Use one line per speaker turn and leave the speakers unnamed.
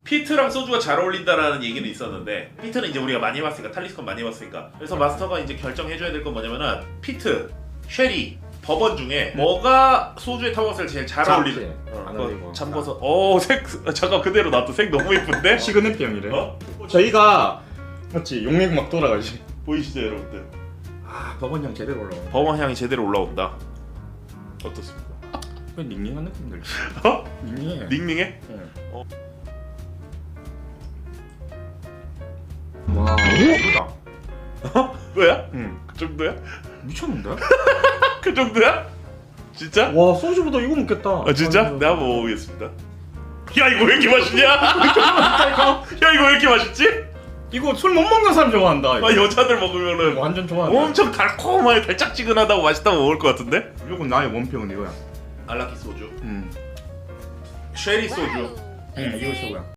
피트랑 소주가 잘 어울린다라는 얘기는 있었는데 피트는 이제 우리가 많이 해봤으니까 탈리스콘 많이 해봤으니까 그래서 마스터가 이제 결정해줘야 될 건 뭐냐면은 피트, 쉐리, 버번 중에 뭐가 소주에 타먹었을 때 제일 잘 어울리는
안 어울리고.
잠궈서 색 잠깐 그대로 놔둬. 색 너무 예쁜데?
시그널병이래.
어?
저희가 맞지 용맥 막 돌아가지.
보이시죠 여러분들?
아 버번형 제대로 올라와.
버번 향이 제대로 올라온다. 어떻습니까?
왜 닝닝한 느낌 들지?
어?
닝닝해.
닝닝해?
응.
어.
와 예쁘다.
뭐야?
응.
그 정도야?
미쳤는데?
그 정도야? 진짜?
와 소주보다 이거 먹겠다.
아 진짜?
아이고.
내가 한번 먹어보겠습니다. 야 이거 왜 이렇게 맛있냐? 야 이거 왜 이렇게 맛있지?
이거 술 못 먹는 사람 좋아한다. 이거.
아 여자들 먹으면은
완전 좋아한다.
엄청 달콤하게 달짝지근하다고 맛있다고 먹을 것 같은데?
무조건 나의 원평은 이거야.
알라키 소주,
응.
쉐리 소주.
응 이거 최고야.